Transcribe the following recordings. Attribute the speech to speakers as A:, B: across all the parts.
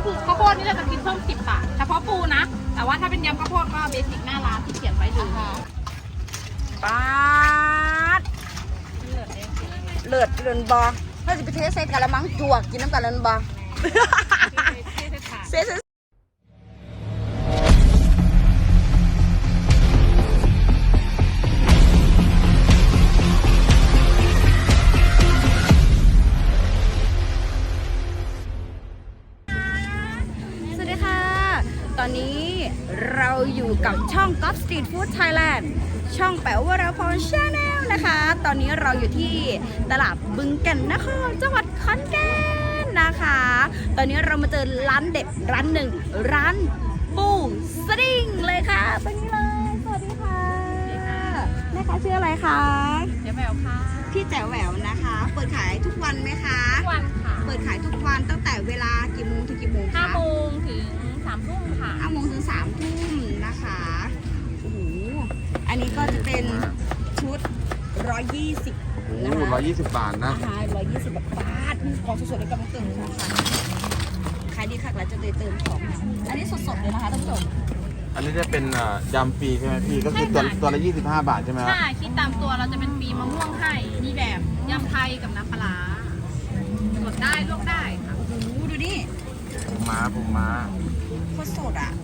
A: คือข้าวโพดนี่เราจะคิดเพิ่ม10 บาทเฉพาะปูนะแต่ว่าถ้าเป็นยำข้าวโพดก็เบสิกหน้าร้านที่เขียนไว้เลย
B: ป๊าดเลือดเลือนบอถ้าจะไปเทใส่กะละมังจวกกินน้ำกันเลือนบอเซ่สวัสดีค่ะตอนนี้เราอยู่กับช่อง Golf Street Food Thailand ช่องแป๋ววรพร Channel นะคะ ตอนนี้เราอยู่ที่ตลาดบึงแก่นนครจังหวัดขอนแก่นนะคะ ตอนนี้เรามาเจอร้านเด็ดร้านหนึ่งร้านปูสดิ้งเลยค่ะตรงนี้เลยสวัสดีค่ะแม่คะชื่ออะไรคะ
A: เจ๊แหววค่ะ
B: พี่แจ๋วแหววนะคะ เปิดขายทุกวันไหมคะ
A: ทุกวันค่ะ
B: เปิดขายทุกวันตั้งแต่เวลากี่โมงถึงกี่โมงคะ
A: 5 โมงถึง3 ทุ่มค่ะ
B: 5 โมงถึง3 ทุ่มนะคะโอ้โหอันนี้ก็จะเป็นชุด120นะคะ
C: 120 บาทนะ
B: 120 บาทของสดๆเลยกำลังเติมค่ะขายดีค่ะแล้วจะได้เติมของอันนี้สดๆเลยนะคะท่านผู้ชม
C: อันนี้จะเป็นยำฟรีใช่ไหมพี่ก็คือตัวละ25 บาทใช่ไหมครับ
A: ใช่คิดตามตัวเราจะเป็นฟรีมะม่วงให้นี่แบบยำไทยกับน้ำปลาสดได้ลวกได้ค่ะ
B: โอ้โหดูนี่
C: ปูม้า
B: โคตรสดอ่ะ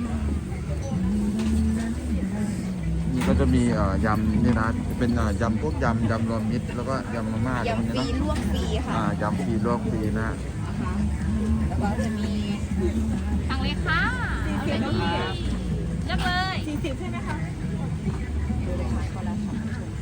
C: นี่ก็จะมียำนี่นะเป็นยำพวกยำรวมมิตรแล้วก็ยำมาม่าย
B: ำฟรีลวกฟรีค่ะ
C: ยำฟรีลวกฟรีนะ
B: แล้วก็จะมี
A: ทางเลยค่ะเอาเลยนี่เลือกเลย40ใช่ไหมคะ
B: ดูเลยค่ะเขาแล้วค่ะ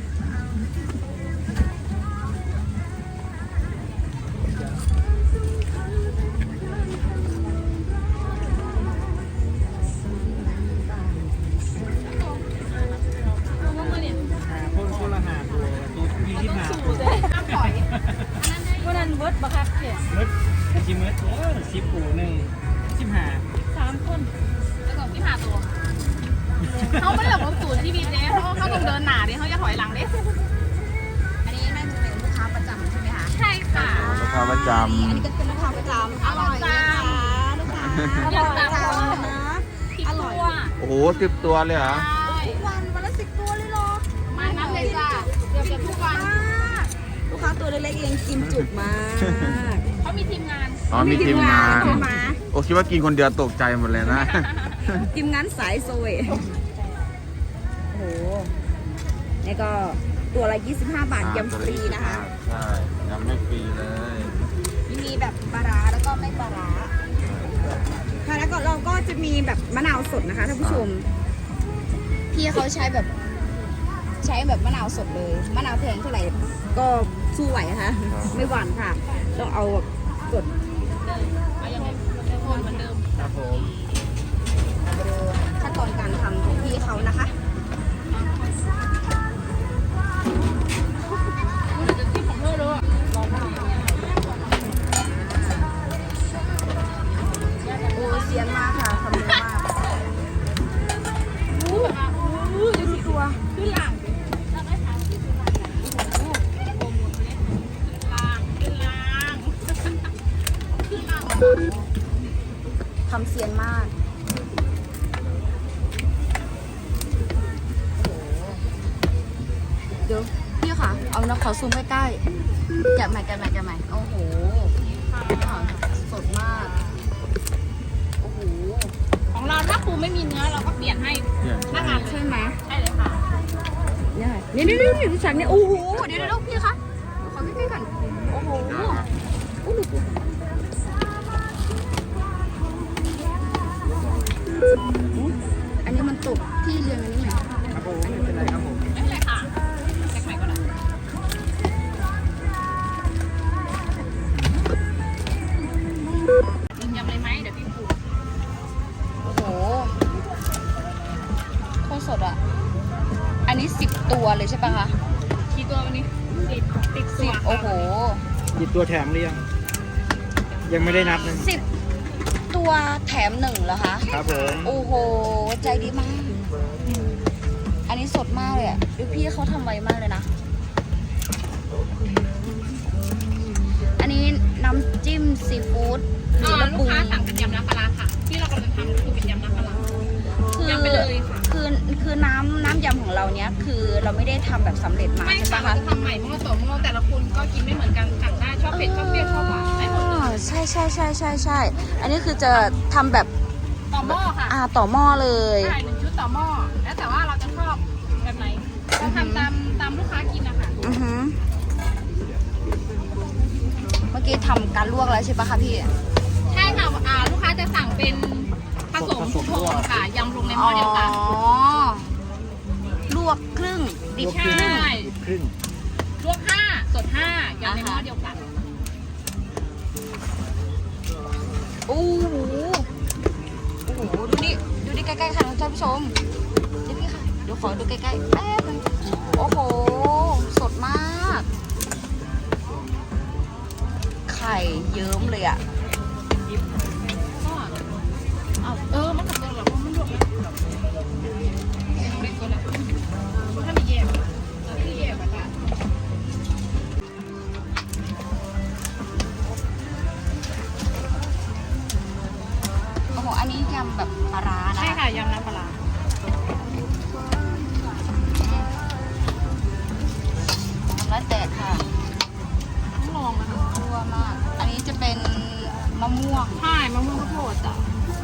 D: คนละหาตัว20 บาท
A: น้ำปล่อยวันนั้นเวิร์ดบักคักเขียน
D: เมิดชิเมิด10 ปูหนึ่ง15
A: 3 คนแล้วก็พี่หาตัวเขาไม่ได้แบบรถสูตรที่บีเด้เขาต้องเดินหนาเด้เขาจะถอยหลังเด้
B: อันนี้น่าจะเป็นลูกค้าประจำใช่ไหมคะ
A: ใช่ค่ะ
C: ลูกค้าประจำ
B: อันนี้ก็เป็นลูกค้าประจำอร่อยนะคะลูกค้าอร่อยจังนะอร่อย
C: โอ้โห10 ตัวเลยเหรอ
B: ทุกวันละ10 ตัวเลยเหรอ
A: มาน้ำเลยจ้าเกือบทุกวัน
B: ลูกค้าตัวเล็กๆเองกินจุกมาก
A: เขามีทีมงาน
C: มีทีมงานโอ้คิดว่ากินคนเดียวตกใจหมดเลยนะ
B: ทีมงานสายโซเวโอ้โหนี่ก็ตัวละ25 บาทยำฟรีนะคะ
C: ใช่ยำไม่ฟรีเลย
B: มีแบบปลาร้าแล้วก็ไม่ปลาร้าค่ะแล้วก็เราก็จะมีแบบมะนาวสดนะคะท่านผู้ชมพี่เขาใช้แบบมะนาวสดเลยมะนาวแพงเท่าไหร่ก็สู้ไหวค่ะไม่หวานค่ะต้องเอาสด
A: เอาอย่างไรเหมือนเดิม
D: ครับผม
B: มาดูขั้นตอนการทำของพี่เขานะคะโอ้เสียนมากค่ะทำเร็วมากดูสิตัว
A: ขึ้นหลัง
B: ทำเสียนมากเดี๋ยวพี่ค่ะเอานะขอซูมใกล้ๆแกะใหม่โอ้โหสดมากโอ้โห
A: ของเราถ้าปูไม่มีเนื้อเราก็เปลี่ยนให้หน้างาน
B: ใช่ไหม
A: ใช่เลยค่ะ
B: นี่ดิฉันเนี่ยโอ้โหเดี๋ยวพี่คะขอใกล้ๆกันโอ้โหอันนี้มันตกที่เรียงอันนี้ไหม
D: ครับผมไม่เป็นไรครับผม
A: ไม่เป็นไรค่ะแจ็คใหม่ก่อนนะยำเลยไหมเดี๋ยวพี่ปู
B: โอ้โหโคตรสดอ่ะอันนี้10 ตัวเลยใช่ปะคะ
A: กี่ตัววันนี้ติดตัว
B: 10โอ้โห
D: 10 ตัวแถมหรือยังไม่ได้นับเลย
B: 10 ตัวแถม1เหรอคะ
D: ครับผม
B: โอ้โหใจดีมากอันนี้สดมากเลยอ่ะดูพี่เขาทำไวมากเลยนะอันนี้น้ำจิ้มซีฟู้ด
A: ลูกค้าสั่งเป็นยำ
B: เราเนี้ยคือเราไม่ได้ทำแบบสำเร็จมา
A: ไม่
B: ใช่
A: ค่ะ
B: ปะ
A: เรา
B: คะ
A: จะทำใหม่หม้อต่อหม้อแต่ละคนก็กินไม่เหมือนกันสั่งได้ชอบเผ็ดชอบเปรี้ยวชอบหวานได้หมดเลย
B: ใช่ อันนี้คือจะทำแบบ
A: ต่อหม้อค่ะ
B: ต่อหม้อเลย
A: ใช่1 ชุดต่อหม้อแล้วแต่ว่าเราจะชอบแบบไหนก็ทำตามลูกค้ากินนะคะ
B: อือหือเมื่อกี้ทำการลวกแล้วใช่ปะคะพี่
A: ใช่ค่ะลูกค้าจะสั่งเป็นผสมทุกโทนค่ะยำลงในหม้อเดียวกัน
B: ลวกครึ่งดิบ
A: ใช่
D: ครึ่ง
A: ลวก5สด5ยำในหม้อเดียวกัน
B: โอ้โหดูนี่ใกล้ๆค่ะท่านผู้ชมนี่ค่ะเดี๋ยวขอดูใกล้ๆแป๊บนึงโอ้โหสดมากไข่เยิ้มเลยอ่ะ
A: มันกับตัวหรอเพราะมันลวกแล้วเล็กตัวแล้วถ้ามีแยกที่แยกแบบว่า
B: โอ้โหอันนี้ยำแบบปลาร้านะ
A: ใช่ค่ะยำน้ำปลา
B: แล้วแตกค่ะ
A: ต้องลองนะคะ
B: ทั่วมากอันนี้จะเป็นมะม่วง
A: ใช่มะม่วงข้าวโพดจ้ะ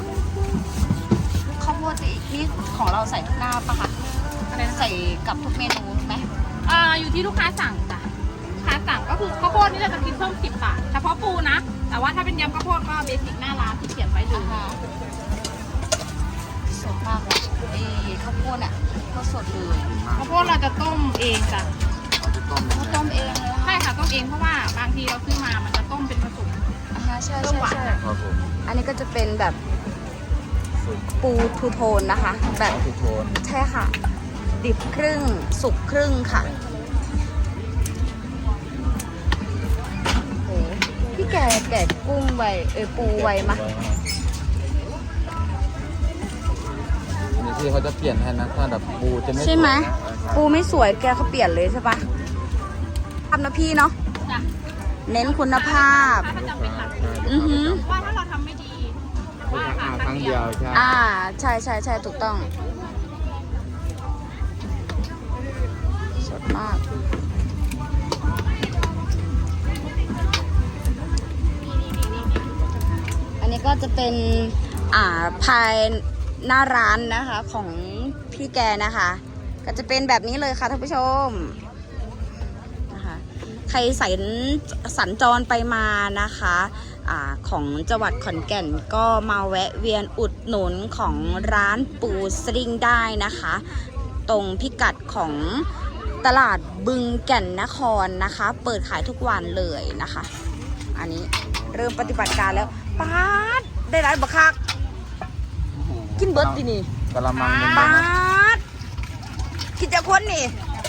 B: ข้าวโพดนี่ของเราใส่ทุกหน้าปะคะ
A: อะไรนะ
B: ใส่กับทุกเมนูไหม
A: อยู่ที่ลูกค้าสั่งจ้ะลูกค้าสั่งก็คือข้าวโพดนี่เราจะคิดเพิ่ม10 บาทเฉพาะปูนะแต่ว่าถ้าเป็นยำข้าวโพดก็เบสิกหน้าร้านที่เขียนไว้ดู
B: สดมากเลยข้าวโพดอ่ะก็สดเลย
A: ข้าวโพดเราจะต้มเองจ้ะ
C: เราจะต้ม
B: เขาต้มเองเลย
A: ใช่ค่ะต้มเองเพราะว่าบางทีเราซื้อมามันจะต้มเป็นผสม
B: ใช่
C: ครับผม
B: อันนี้ก็จะเป็นแบบปูทูโทนนะคะ แบบ
C: ทุกโทน
B: ใช่ค่ะ ดิบครึ่งสุกครึ่งค่ะโหพี่แกะกุ้งไวปูไวมะ
C: นี่ที่เขาจะเปลี่ยนให้นะถ้าแบบปูจะไม่
B: ใช่ไหม
C: สวยนะ
B: ปูไม่สวยแกเขาเปลี่ยนเลยใช่ปะทำนะพี่เนาะ
A: จ้ะ
B: เน้นคุณภาพ
A: ถ้าจำเป็นหลัก
B: อือหือ
A: ว่าถ้าเราทำไม่ดีว่า
C: ครั้งเดียวใช่
B: ใช่ถูกต้องสดมาก อันนี้ก็จะเป็นภายหน้าร้านนะคะของพี่แกนะคะ ก็จะเป็นแบบนี้เลยค่ะท่านผู้ชมนะคะใครสัญจรไปมานะคะของจังหวัดขอนแก่นก็มาแวะเวียนอุดหนุนของร้านปูสลิงได้นะคะ ตรงพิกัดของตลาดบึงแก่นนครนะคะ เปิดขายทุกวันเลยนะคะ อันนี้เริ่มปฏิบัติการแล้วป๊าดได้หลายบักคักกินเบิร์ดดินี่
C: กะละมังนึง
B: ป๊า
C: นะ
B: ดกินจะคนนี่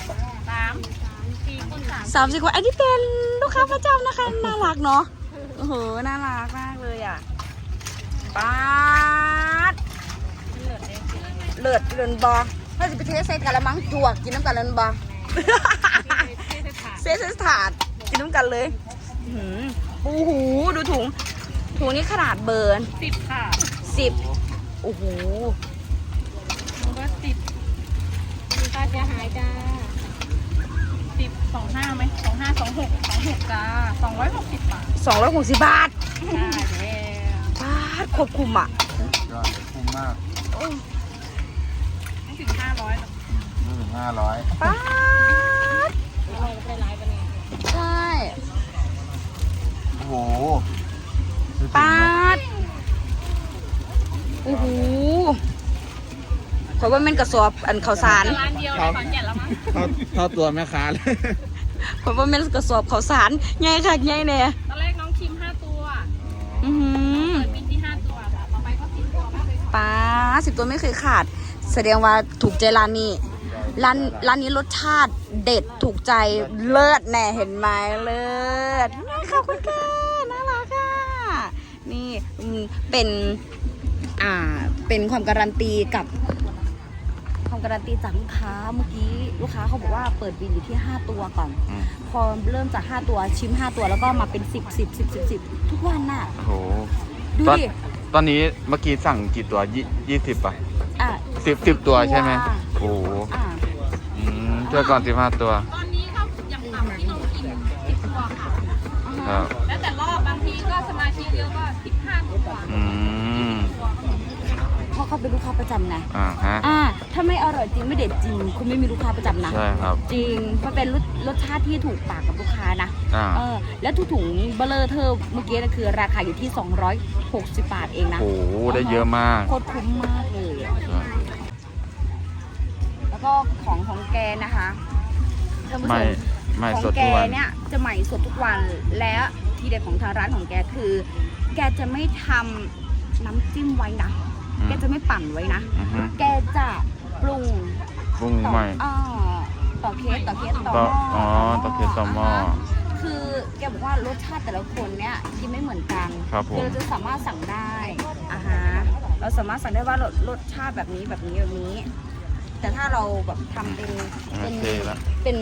A: 3-4 คน
B: 30 คนอันนี้เป็นลูกค้าประจำนะคะ น่ารักเนาะโอ้โหน่ารักมากเลยอ่ะป๊าดเลือดเลือนบอถ้าจะไปเทใส่กะละมังจวกกินน้ำกันเลือนบอ เซสถาดกินน้ำกันเลยปูหูดูถุงนี้ขนาดเบอร์
A: 10 ค่ะ
B: 10โอ้โห
A: เบอร์10มีค่าเสียหายจ้า10 25ไหม25 26จ้า260 บาท
B: 260 บาท
A: ได้แล้ว
B: บาทควบคุมอ่ะ
C: ยอดคุ้มมาก
A: ไม่ถึง500หรอก
C: ไม่ถึง500
B: บาท
A: เราไปไลฟ์ไปเลย
B: ใช่
C: โอ้โห
B: บาทโอ้โหขอยว่ามันกระสอบอันข้าวสาร
A: ร้านเดียวในขอนแก่นแล้วมั้ง
C: เท่าตัวแม่ค้าเลย
B: ขอยว่ามันกระสอบข้าวสารใหญ่ค่ะใหญ่เนี่ย
A: ตอนแรกน้องชิม5 ตัว
B: อือหือ
A: เปิดบินที่5 ตัวค่ะต่อไปก็10 ตัวมากเลย
B: ป้า10 ตัวไม่เคยขาด แสดงว่าถูกใจร้านนี้ร้านนี้รสชาติเด็ดถูกใจเลิศแน่เห็นไหมเลิศขอบคุณค่ะน่ารักค่ะนี่เป็นความการันตีกับความการันตีจากลูกค้าเมื่อกี้ลูกค้าเขาบอกว่าเปิดบินอยู่ที่5 ตัวก่อน พอเริ่มจาก5 ตัวชิม5 ตัวแล้วก็มาเป็น10ทุกวันน่ะ
C: โอ้โห
B: ดูดิ
C: ตอนนี้เมื่อกี้สั่งกี่ตัว20ป่ะ
B: อ่ะ
C: 10ตัวใช่ไหมโอ้โหช่วยก่อน15 ตัว
A: ตอนนี้ก็อย่างต่ำที่น้องกิน10 ตัวค่ะ
C: ครับ
A: แล้วแต่รอบบางทีก็สมาชิกเยอะก็15 ตัว
C: อืม
B: เพราะเขาเป็นลูกค้าประจำนะ
C: ฮะ
B: ถ้าไม่อร่อยจริงไม่เด็ดจริงคุณไม่มีลูกค้าประจำนะ
C: ใช่ครับ
B: จริงมันเป็นรสชาติที่ถูกปากกับลูกค้านะ
C: อ่า
B: แล้วทุกถุงเบลเลอร์เธอเมื่อกี้นะคือราคาอยู่ที่260 บาทเองนะ
C: โอ้โหได้เยอะมาก
B: โคตรคุ้มมากเลยอะแล้วก็ของแกนะคะท่านผู้ช
C: ไม่
B: ม
C: ไม่
B: ของ
C: สด
B: แก
C: ทุกวัน
B: เนี่ยจะใหม่สดทุกวันและทีเด็ดของทางร้านของแกคือ แกจะไม่ทำน้ำจิ้มไว้นะ แกจะไม่ปั่นไว้นะ
C: อือฮึ
B: แกจะปรุง
C: ปรุงใหม่
B: ต่อเคสต่อห
C: ต่อ
B: ม้อ
C: อ๋อต่อเคสต่อหม้อ
B: คือแกบอกว่ารสชาติแต่ละคนเนี่ยกินไม่เหมือนกัน
C: ครับผม
B: เราจะสามารถสั่งได้เราสามารถสั่งได้ว่ารสชาติแบบนี้แบบนี้แบบนี้ แต่ถ้าเราแบบทำเป็น
C: โอเคแล้ว
B: เป็น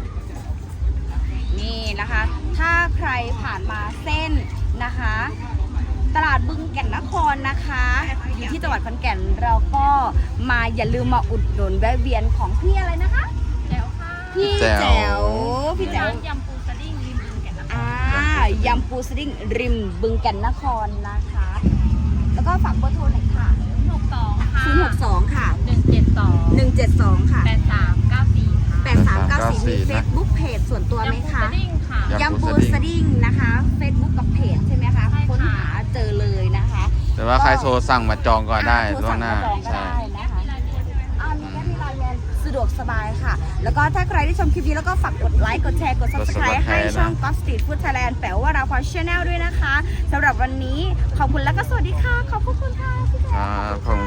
B: นี่นะคะ ถ้าใครผ่านมาเส้นนะคะ ตลาดบึงแก่นนครนะคะอยู่ที่จังหวัดขอนแก่นเราก็มาอย่าลืมมาอุดหนุนแวะเวียนของพี่อะไรนะคะ
A: แจ๋วค่ะ
B: พี่
C: แจ๋
B: แจ๋ว
C: ว
B: พี่แจ๋ว
A: ร้านยำปูสดิ้งริมบึงแก่นนคร
B: ยำปูสดิ้งริมบึงแก่นนครนะคะ แล้วก็ฝากเบอร์โทรหน่อยค่ะ
A: 62ค่ะ
B: 062 ค่ะ
A: 172
B: 172 ค่ะ
A: 8394ค่ะ
B: 8394 มี Facebook เพจส่วนตัวไหมคะ
A: ยำปูสดิ้งค่ะ
B: ยำปูสดิ้งนะคะ Facebook กับเพจใช่ไหมคะ
A: ใช่ค่ะ
B: ค้นหาเจอเลยนะคะ
C: แต่ว่าใครโทรสั่งมาจองก่อนได้
B: โทร
C: ล่ว
B: สั่
C: ง
B: ง
C: หน้า
B: มาจองก็
C: ใช่
B: ได้นะคะมีแค่มีไลน์แมนสะดวกสบายค่ะ แล้วก็ถ้าใครที่ชมคลิปนี้แล้วก็ฝากกดไลค์ กดแชร์ กด Subscribe ให้ช่อง Golf Street Food Thailand แปลว่าเราพอ Channel ด้วยนะคะสำหรับวันนี้ขอบคุณแล้วก็สวัสดีค่ะ ขอบคุณค่ะพี่แจ๊
C: ครับขอบคุณ